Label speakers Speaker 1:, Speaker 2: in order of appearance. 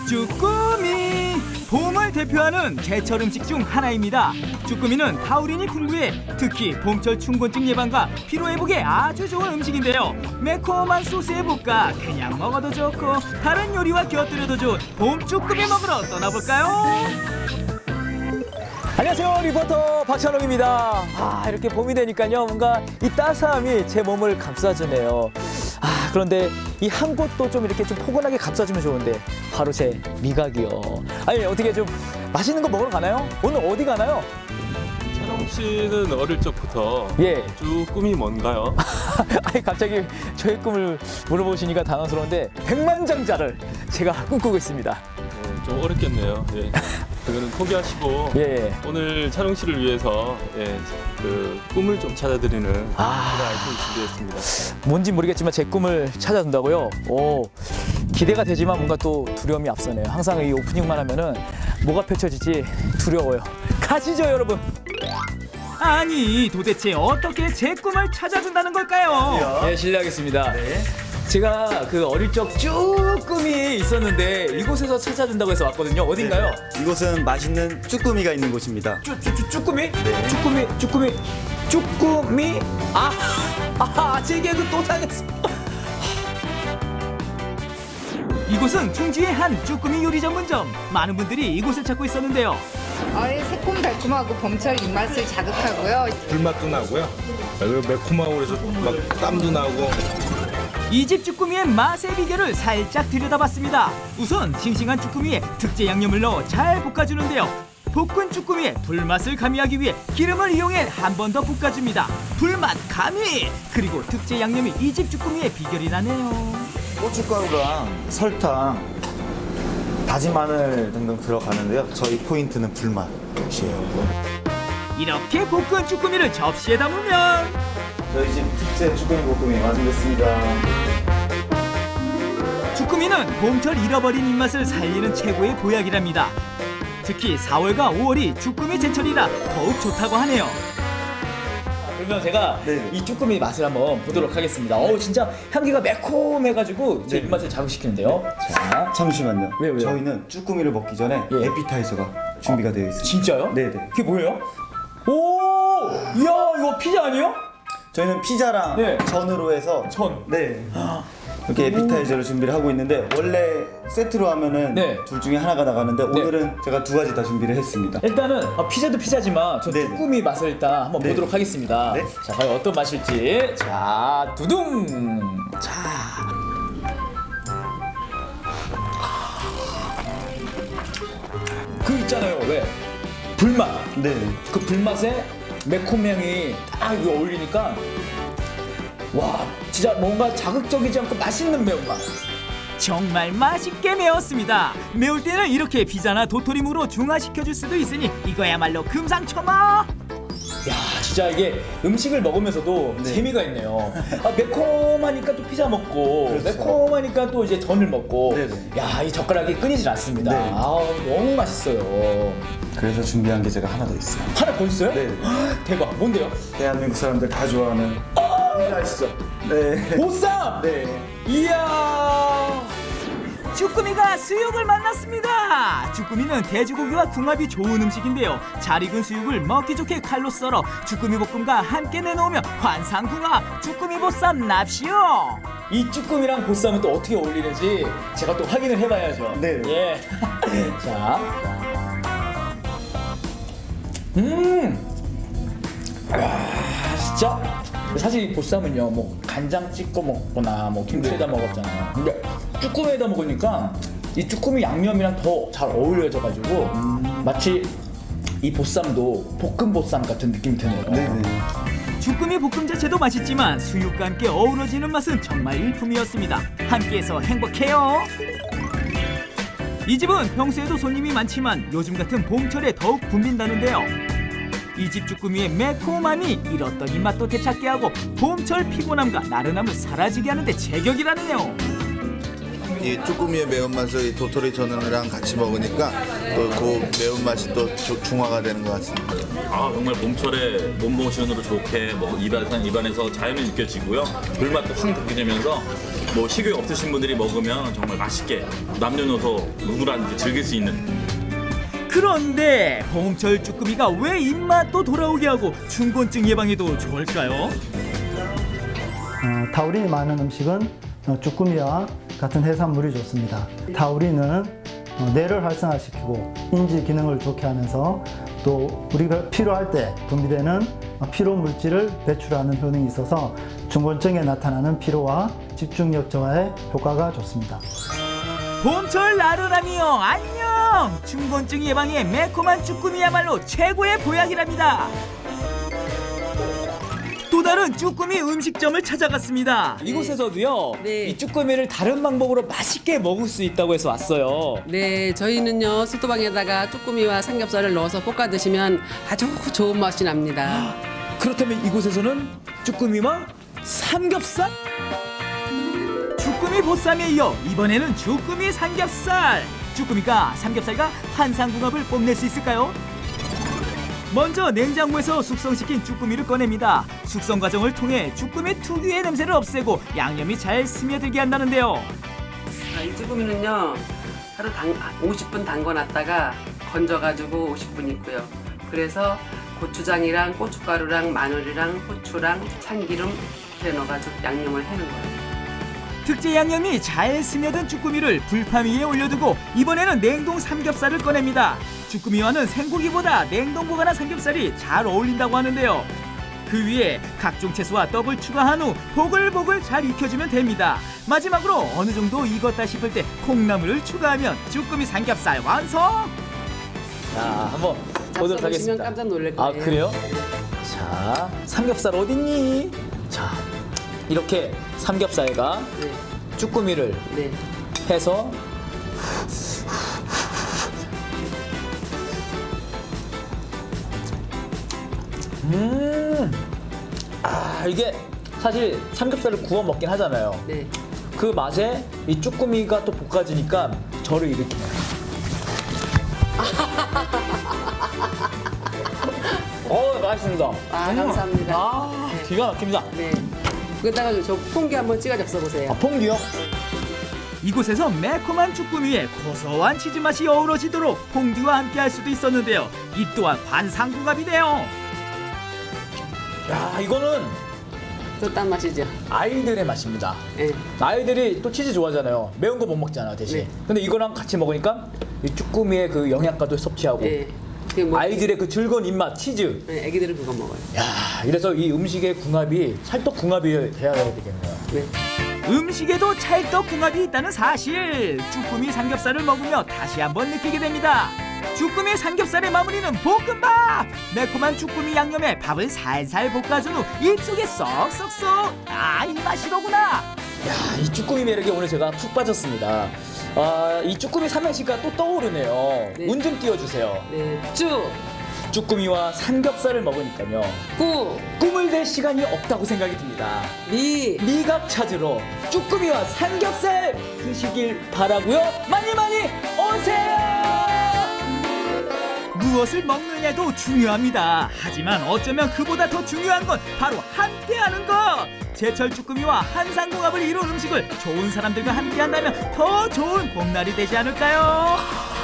Speaker 1: 쭈꾸미 봄을 대표하는 제철 음식 중 하나입니다. 쭈꾸미는 타우린이 풍부해 특히 봄철 춘곤증 예방과 피로 회복에 아주 좋은 음식인데요. 매콤한 소스에 볶아 그냥 먹어도 좋고 다른 요리와 곁들여도 좋은 봄 쭈꾸미 먹으러 떠나볼까요? 안녕하세요, 리포터 박찬웅입니다. 이렇게 봄이 되니까요 뭔가 이 따스함이 제 몸을 감싸주네요. 그런데 이 한 곳도 좀 이렇게 좀 포근하게 감싸주면 좋은데 바로 제 미각이요. 아니 어떻게 좀 맛있는 거 먹으러 가나요? 오늘 어디 가나요?
Speaker 2: 찬웅 씨는 어릴 적부터
Speaker 1: 예.
Speaker 2: 쭈꾸미 뭔가요?
Speaker 1: 아니 갑자기 저의 꿈을 물어보시니까 당황스러운데 백만장자를 제가 꿈꾸고 있습니다.
Speaker 2: 좀 어렵겠네요. 예. 그거는 포기하시고
Speaker 1: 예.
Speaker 2: 오늘 찬웅 씨를 위해서 그 꿈을 좀 찾아드리는 그런 아이템을 준비했습니다.
Speaker 1: 뭔지 모르겠지만 제 꿈을 찾아준다고요? 오, 기대가 되지만 뭔가 또 두려움이 앞서네요. 항상 이 오프닝만 하면은 뭐가 펼쳐질지 두려워요. 가시죠, 여러분. 아니, 도대체 어떻게 제 꿈을 찾아준다는 걸까요? 네, 실례하겠습니다. 제가 그 어릴 적 쭈꾸미 있었는데 이곳에서 찾아준다고 해서 왔거든요. 어딘가요?
Speaker 3: 이곳은 맛있는 쭈꾸미가 있는 곳입니다.
Speaker 1: 쭈꾸미?
Speaker 3: 네.
Speaker 1: 쭈꾸미? 제 개그 또 당했어. 이곳은 충주의 한 쭈꾸미 요리 전문점. 많은 분들이 이곳을 찾고 있었는데요.
Speaker 4: 새콤달콤하고 봄철 입맛을 자극하고요.
Speaker 5: 불맛도 나고요. 그리고 매콤하고 그래서 막 땀도 나고.
Speaker 1: 이 집 쭈꾸미의 맛의 비결을 살짝 들여다봤습니다. 우선 싱싱한 쭈꾸미에 특제 양념을 넣어 잘 볶아주는데요. 볶은 쭈꾸미의 불맛을 가미하기 위해 기름을 이용해 한 번 더 볶아줍니다. 불맛 가미! 그리고 특제 양념이 이 집 쭈꾸미의 비결이라네요.
Speaker 3: 고춧가루랑 설탕, 다진 마늘 등등 들어가는데요. 저희 포인트는 불맛이에요.
Speaker 1: 이렇게 볶은 쭈꾸미를 접시에 담으면
Speaker 3: 저희 집 특제 쭈꾸미 볶음이 완성됐습니다.
Speaker 1: 쭈꾸미는 봄철 잃어버린 입맛을 살리는 최고의 보약이랍니다. 특히 4월과 5월이 쭈꾸미 제철이라 더욱 좋다고 하네요. 그러면 제가
Speaker 3: 네.
Speaker 1: 이 쭈꾸미 맛을 한번 보도록 하겠습니다. 진짜 향기가 매콤해가지고 제 입맛을 자극시키는데요. 자,
Speaker 3: 잠시만요.
Speaker 1: 왜요?
Speaker 3: 저희는 쭈꾸미를 먹기 전에
Speaker 1: 예.
Speaker 3: 에피타이저가 준비가 되어 있습니다.
Speaker 1: 진짜요?
Speaker 3: 네네.
Speaker 1: 그게 뭐예요? 오, 이야 이거 피자 아니에요?
Speaker 3: 저희는 피자랑
Speaker 1: 네.
Speaker 3: 전으로 해서
Speaker 1: 전.
Speaker 3: 네. 이렇게 에피타이저를 준비를 하고 있는데 원래 세트로 하면은
Speaker 1: 네.
Speaker 3: 둘 중에 하나가 나가는데 오늘은 제가 두 가지 다 준비를 했습니다.
Speaker 1: 일단은 피자도 피자지만 저
Speaker 3: 네네.
Speaker 1: 쭈꾸미 맛을 일단 한번
Speaker 3: 네.
Speaker 1: 보도록 하겠습니다.
Speaker 3: 네.
Speaker 1: 자, 과연 어떤 맛일지. 자, 두둥. 자. 그 있잖아요. 왜? 불맛.
Speaker 3: 네.
Speaker 1: 그 불맛에 매콤향이 딱 이거 어울리니까 와, 진짜 뭔가 자극적이지 않고 맛있는 매운맛. 정말 맛있게 매웠습니다. 매울 때는 이렇게 피자나 도토리묵으로 중화시켜줄 수도 있으니 이거야말로 금상첨화. 야, 진짜 이게 음식을 먹으면서도
Speaker 3: 네.
Speaker 1: 재미가 있네요. 매콤하니까 또 피자 먹고
Speaker 3: 그렇죠.
Speaker 1: 매콤하니까 또 이제 전을 먹고
Speaker 3: 네네.
Speaker 1: 야, 이 젓가락이 끊이질 않습니다.
Speaker 3: 네.
Speaker 1: 너무 맛있어요.
Speaker 3: 그래서 준비한 게 제가 하나 더 있어요.
Speaker 1: 하나 더 있어요?
Speaker 3: 네.
Speaker 1: 대박. 뭔데요?
Speaker 3: 대한민국 사람들 다 좋아하는 아시죠? 네.
Speaker 1: 보쌈!
Speaker 3: 네.
Speaker 1: 이야! 쭈꾸미가 수육을 만났습니다. 쭈꾸미는 돼지고기와 궁합이 좋은 음식인데요. 잘 익은 수육을 먹기 좋게 칼로 썰어 쭈꾸미 볶음과 함께 내놓으면 환상궁합 쭈꾸미 보쌈 납시오. 이 쭈꾸미랑 보쌈은 또 어떻게 어울리는지 제가 또 확인을 해봐야죠.
Speaker 3: 네.
Speaker 1: 예. 자. 진짜 사실 이 보쌈은요 뭐 간장 찍고 먹거나 뭐 김치에다 먹었잖아요. 근데 쭈꾸미에다 먹으니까 이 쭈꾸미 양념이랑 더 잘 어울려져가지고 마치 이 보쌈도 볶음 보쌈 같은 느낌이 드네요.
Speaker 3: 네네.
Speaker 1: 쭈꾸미 볶음 자체도 맛있지만 수육과 함께 어우러지는 맛은 정말 일품이었습니다. 함께해서 행복해요. 이 집은 평소에도 손님이 많지만 요즘 같은 봄철에 더욱 붐빈다는데요. 이 집 쭈꾸미의 매콤함이 이렇던 입맛도 되찾게 하고 봄철 피곤함과 나른함을 사라지게 하는데 제격이라네요.
Speaker 6: 이 쭈꾸미의 매운맛을 이 도토리 전이랑 같이 먹으니까 또 그 매운맛이 또 중화가 되는 것 같습니다.
Speaker 7: 정말 봄철에 몸모션으로 좋게 입안에서 자연이 느껴지고요. 불맛도 확 느껴지면서 뭐 식욕 없으신 분들이 먹으면 정말 맛있게 남녀노소 누구라든지 즐길 수 있는.
Speaker 1: 그런데 봄철 쭈꾸미가 왜 입맛도 돌아오게 하고 충곤증 예방에도 좋을까요?
Speaker 8: 타우린이 많은 음식은 쭈꾸미와 같은 해산물이 좋습니다. 타우린은 뇌를 활성화시키고 인지 기능을 좋게 하면서 또 우리가 필요할 때 분비되는 피로 물질을 배출하는 효능이 있어서 충곤증에 나타나는 피로와 집중력 저하에 효과가 좋습니다.
Speaker 1: 봄철 나른함이요 안녕! 충곤증 예방에 매콤한 쭈꾸미야말로 최고의 보약이랍니다. 또 다른 쭈꾸미 음식점을 찾아갔습니다. 이곳에서도요
Speaker 9: 네.
Speaker 1: 이 쭈꾸미를 다른 방법으로 맛있게 먹을 수 있다고 해서 왔어요.
Speaker 9: 네, 저희는요 소토방에다가 쭈꾸미와 삼겹살을 넣어서 볶아 드시면 아주 좋은 맛이 납니다.
Speaker 1: 그렇다면 이곳에서는 쭈꾸미와 삼겹살? 쭈꾸미 보쌈에 이어 이번에는 쭈꾸미 삼겹살. 쭈꾸미가 삼겹살과 환상궁합을 뽐낼 수 있을까요? 먼저 냉장고에서 숙성시킨 쭈꾸미를 꺼냅니다. 숙성 과정을 통해 쭈꾸미 특유의 냄새를 없애고 양념이 잘 스며들게 한다는데요.
Speaker 9: 이 쭈꾸미는요 하루 50분 담궈놨다가 건져가지고 50분 있고요. 그래서 고추장이랑 고춧가루랑 마늘이랑 후추랑 참기름 이렇게 넣어가지고 양념을 해는 거예요.
Speaker 1: 특제 양념이 잘 스며든 쭈꾸미를 불판 위에 올려두고 이번에는 냉동 삼겹살을 꺼냅니다. 쭈꾸미와는 생고기보다 냉동 보관한 삼겹살이 잘 어울린다고 하는데요. 그 위에 각종 채소와 떡을 추가한 후 보글보글 잘 익혀주면 됩니다. 마지막으로 어느 정도 익었다 싶을 때 콩나물을 추가하면 쭈꾸미 삼겹살 완성! 자, 한번 보도록
Speaker 9: 보시면
Speaker 1: 하겠습니다.
Speaker 9: 깜짝 놀랄 거예요.
Speaker 1: 아, 그래요? 자, 삼겹살 어딨니? 자, 이렇게 삼겹살과
Speaker 9: 네,
Speaker 1: 쭈꾸미를
Speaker 9: 네.
Speaker 1: 해서 이게 사실 삼겹살을 구워 먹긴 하잖아요.
Speaker 9: 네.
Speaker 1: 그 맛에 이 쭈꾸미가 또 볶아지니까 저를 일으키네요. 맛있습니다.
Speaker 9: 감사합니다.
Speaker 1: 아, 기가 막힙니다.
Speaker 9: 네. 그다가 저 퐁듀 한번 찍어 접서 보세요.
Speaker 1: 아, 퐁듀요? 이곳에서 매콤한 쭈꾸미에 고소한 치즈 맛이 어우러지도록 퐁듀와 함께 할 수도 있었는데요. 이 또한 환상궁합이네요. 야, 이거는
Speaker 9: 또 딴 맛이죠.
Speaker 1: 아이들의 맛입니다.
Speaker 9: 네.
Speaker 1: 아이들이 또 치즈 좋아하잖아요. 매운 거 못 먹잖아 대신.
Speaker 9: 네.
Speaker 1: 근데 이거랑 같이 먹으니까 이 쭈꾸미의 그 영양가도 섭취하고
Speaker 9: 네. 뭐,
Speaker 1: 아이들의 그 즐거운 입맛 치즈.
Speaker 9: 네, 애기들은 그거 먹어요.
Speaker 1: 야, 이래서 이 음식의 궁합이 찰떡궁합이 돼야 되겠네요.
Speaker 9: 네.
Speaker 1: 음식에도 찰떡궁합이 있다는 사실. 쭈꾸미 삼겹살을 먹으며 다시 한번 느끼게 됩니다. 쭈꾸미 삼겹살의 마무리는 볶음밥. 매콤한 쭈꾸미 양념에 밥을 살살 볶아준 후 입속에 쏙쏙쏙. 아, 이 맛이로구나. 야, 이 쭈꾸미 매력에 오늘 제가 푹 빠졌습니다. 아, 이 쭈꾸미 삼행시가 또 떠오르네요.
Speaker 9: 네.
Speaker 1: 운 좀 띄워주세요.
Speaker 9: 네.
Speaker 1: 쭈꾸미와 삼겹살을 먹으니까요. 꿈을 댈 시간이 없다고 생각이 듭니다. 미각 찾으러 쭈꾸미와 삼겹살 드시길 바라고요. 많이 많이 오세요. 무엇을 먹느냐도 중요합니다. 하지만 어쩌면 그보다 더 중요한 건 바로 함께하는 것. 제철 쭈꾸미와 한상궁합을 이룬 음식을 좋은 사람들과 함께한다면 더 좋은 봄날이 되지 않을까요?